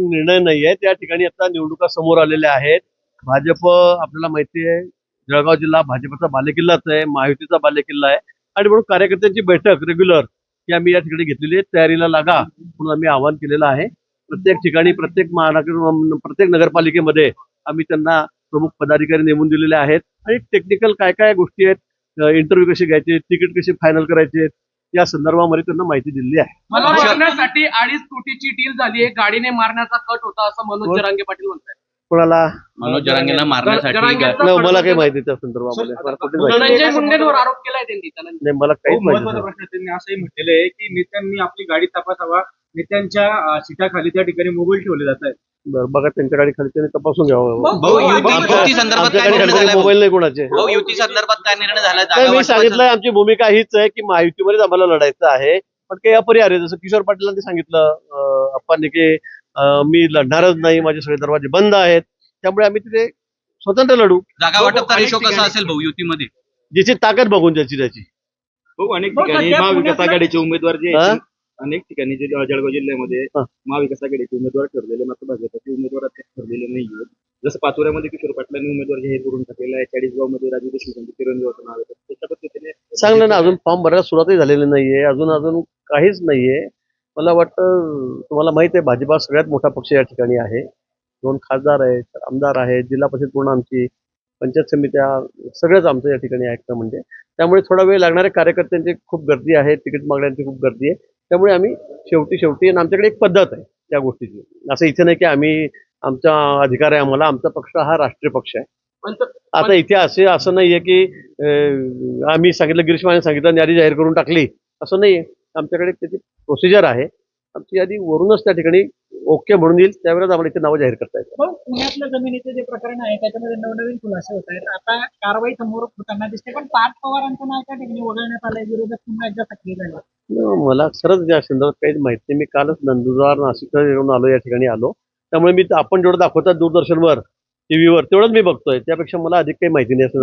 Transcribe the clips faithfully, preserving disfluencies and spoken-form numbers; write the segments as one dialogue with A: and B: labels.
A: निर्णय नाहीये. त्या ठिकाणी आता निवडणुका समोर आलेल्या आहेत. भाजप आपल्याला माहिती आहे जळगाव जिल्हा भाजपचा बालेकिल्लाच आहे, महायुतीचा बालेकिल्ला आहे आणि म्हणून कार्यकर्त्यांची बैठक रेग्युलर ही आम्ही या ठिकाणी घेतलेली आहे. तयारीला लागा म्हणून आम्ही आवाहन केलेलं आहे. प्रत्येक ठिकाणी प्रत्येक महानगर प्रत्येक नगरपालिकेमध्ये आम्ही त्यांना प्रमुख पदाधिकारी नेमून दिलेले आहेत आणि टेक्निकल काय काय गोष्टी आहेत, इंटरव्ह्यू कसे घ्यायचे, तिकीट कसे फायनल करायचे या संदर्भामध्ये त्यांना माहिती दिलेली आहे.
B: मला मारण्यासाठी अडीच कोटीची डील झाली आहे, गाडीने मारण्याचा कट होता असं मनोज जरांगे पाटील म्हणतात.
A: कोणाला?
C: मनोज जरांगेला मारण्यासाठी
A: मला काही माहिती त्या संदर्भामध्ये
B: धनंजय मुंडेंवर आरोप केलाय त्यांनी.
A: नाही, मला काहीच माहिती नाही.
D: प्रश्न त्यांनी असंही म्हटलेलं आहे की नेत्यांनी आपली गाडी तपासावा, नेत्यांच्या सीटाखाली त्या ठिकाणी मोबाईल ठेवले जात आहेत.
A: बरं, बघा त्यांच्या गाडी खाली त्यांनी तपासून घ्यावं.
C: भाऊ युती संदर्भात काय निर्णय झाला?
A: मोबाईल नाही कोणाचे.
C: भाऊ युती संदर्भात काय निर्णय झाला?
A: नाही, मी सांगितलं आमची भूमिका हीच आहे की महायुतीमध्येच आम्हाला लढायचं आहे, पण काही अपरिहार्य जसं किशोर पाटीलांनी सांगितलं अप्पांनी की मी लढणारच नाही, माझे सगळे दरवाजे बंद आहेत, त्यामुळे आम्ही तिथे स्वतंत्र लढू.
C: जागा वाटपचा रेशो कसा असेल भाऊ युतीमध्ये?
A: ज्याची ताकद बघून ज्याची त्याची.
D: भाऊ अनेक ठिकाणी महाविकास आघाडीचे उमेदवार जे अनेक ठिकाणी जे जळगाव जिल्ह्यामध्ये महाविकास आघाडीचे उमेदवार ठरलेले मात्र भाजपचे उमेदवार ठरलेले नाहीये. जसं पाचोऱ्यामध्ये किशोर पाटलांनी उमेदवार जाहीर करून टाकलेला आहे, चाळीसगाव मध्ये राजू देशमुख चिरंजीवाचं नाव आहे. त्याच्या पद्धतीने
A: चांगलं ना, अजून फॉर्म भरायला सुरुवातही झालेली नाहीये, अजून अजून काहीच नाहीये. मला वाटतं तुम्हाला माहित आहे भाजपा सगळ्यात मोठा पक्ष या ठिकाणी आहे. दोन खासदार आहेत, आमदार आहेत, जिल्हा परिषद पूर्ण आमची, पंचायत समित्या सगळ्याच आमचं या ठिकाणी ऐकतं म्हणजे. त्यामुळे थोडा वेळ लागणाऱ्या कार्यकर्त्यांची खूप गर्दी आहे, तिकीट मागण्यांची खूप गर्दी आहे. त्यामुळे आम्ही शेवटी शेवटी आणि आमच्याकडे एक पद्धत आहे त्या गोष्टीची. असं इथे नाही की आम्ही आमचा अधिकार आहे आम्हाला, आमचा पक्ष हा राष्ट्रीय पक्ष आहे. आता इथे असे असं नाहीये की आम्ही सांगितलं गिरीश महाजन सांगितलं यादी जाहीर करून टाकली असं नाहीये. आमच्याकडे त्याची प्रोसिजर आहे. आमची यादी वरूनच त्या ठिकाणी ओके म्हणून येईल, त्यावेळेस आम्हाला इथे नावं जाहीर करता येतात.
E: पुण्यातल्या जमिनीचे जे प्रकरण आहे त्याच्यामध्ये नवनवीन खुलासे होत आहेत. आता कारवाई समोर होताना दिसते, पण पार्थ पवारांचं नाव त्या ठिकाणी वगळण्यात आलंय, विरोधक पुन्हा एकदा सक्रिय झाले.
A: मला खरंच या संदर्भात काहीच माहिती नाही. मी कालच नंदुरबार नाशिक येऊन आलो, या ठिकाणी आलो, त्यामुळे मी आपण जेवढं दाखवतात दूरदर्शनवर टीव्हीवर तेवढंच मी बघतोय, त्यापेक्षा मला अधिक काही माहिती नाही.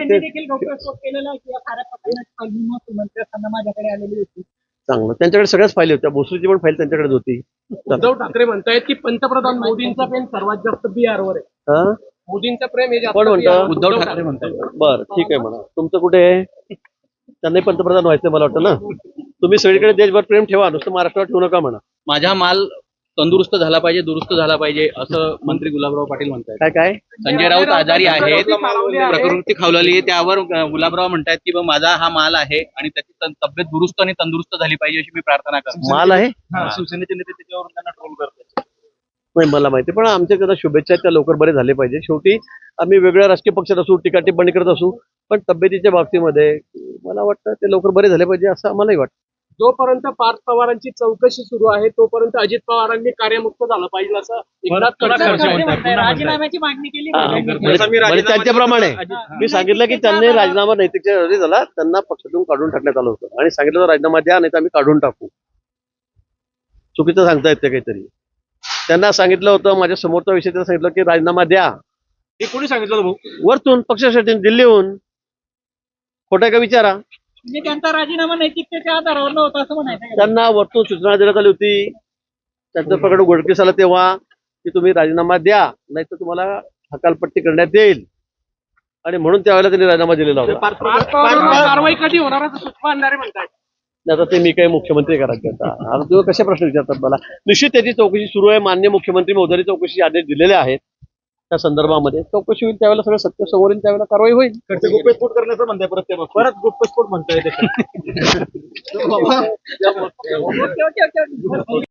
E: माझ्याकडे आलेली होती.
A: चांगलं, त्यांच्याकडे सगळ्याच फाईल होत्या, भोसरीची पण फाईल त्यांच्याकडेच होती.
B: उद्धव ठाकरे म्हणतायत की पंतप्रधान मोदींचा प्रेम सर्वात जास्त बिहारवर आहे. मोदींचं प्रेम हे जास्त
C: उद्धव ठाकरे म्हणतात.
A: बरं, ठीक आहे म्हणा. तुमचं कुठे आहे? त्यांनाही पंतप्रधान व्हायचं मला वाटतं ना. तुम्ही सगळीकडे देशभर प्रेम ठेवा, नुसतं महाराष्ट्रावर ठेवू नका म्हणा.
C: माझा माल तंदुरुस्त झाला पाहिजे, दुरुस्त झाला पाहिजे असं मंत्री गुलाबराव पाटील म्हणतात.
A: काय काय
C: संजय राऊत आजारी आहेत, प्रकृती खावलेली आहे, त्यावर गुलाबराव म्हणतात की माझा हा माल आहे आणि त्याची तब्येत दुरुस्त आणि तंदुरुस्त झाली पाहिजे अशी मी प्रार्थना करतो.
A: माल आहे,
D: शिवसेनेचे नेते त्याच्यावरून त्यांना ट्रोल करतात.
A: नाही मला माहिती, पण आमच्या त्यांना शुभेच्छा, त्या लवकर बरे झाले पाहिजे. शेवटी आम्ही वेगळ्या राजकीय पक्षात असू, टीका टिप्पणी करत असू, पण तब्येतीच्या बाबतीमध्ये मला वाटतं ते लवकर बरे झाले पाहिजे असं आम्हालाही वाटतं.
B: जोपर्यंत पार्थ पवारांची चौकशी सुरू आहे तोपर्यंत अजित पवारांनी कार्यमुक्त झालं पाहिजे असं एकनाथ खडसे
E: राजीनाम्याची मागणी केली.
A: त्यांच्याप्रमाणे मी सांगितलं की त्यांनी राजीनामा नैतिकच्या झाला, त्यांना पक्षातून काढून टाकण्यात आलं होतं आणि सांगितलं राजीनामा द्या नाही तर आम्ही काढून टाकू. चुकीचं सांगता येते काहीतरी. त्यांना सांगितलं होतं, माझ्या समोरचा विषय त्यांना सांगितलं की राजीनामा द्या.
D: हे कोणी सांगितलं भाऊ?
A: वरतून पक्षासाठी, दिल्लीहून. खोटा का विचारा.
E: म्हणजे त्यांचा राजीनामा नैतिकतेच्या आधारावर नव्हता असं म्हणायचं.
A: त्यांना वरतून सूचना देण्यात आली होती, त्यांचं प्रकरण उघडकीस आलं तेव्हा की तुम्ही राजीनामा द्या नाही तर तुम्हाला हकालपट्टी करण्यात येईल, आणि म्हणून त्यावेळेला त्यांनी राजीनामा दिलेला होता.
B: कारवाई कधी होणार असं सुषमा अंधारे म्हणतात.
A: आता ते मी काही मुख्यमंत्री करायचे आता आता तुम्ही कशा प्रश्न विचारतात मला. निश्चित त्याची चौकशी सुरू आहे. माननीय मुख्यमंत्री महोदयांनी चौकशी आदेश दिलेले आहेत. त्या संदर्भामध्ये चौकशी होईल, त्यावेळेला सगळं सत्य समोर येईल, त्यावेळेला कारवाई होईल.
D: गुप्तस्फोट करण्याचं म्हणताय परत ते परत गुप्तस्फोट म्हणताय.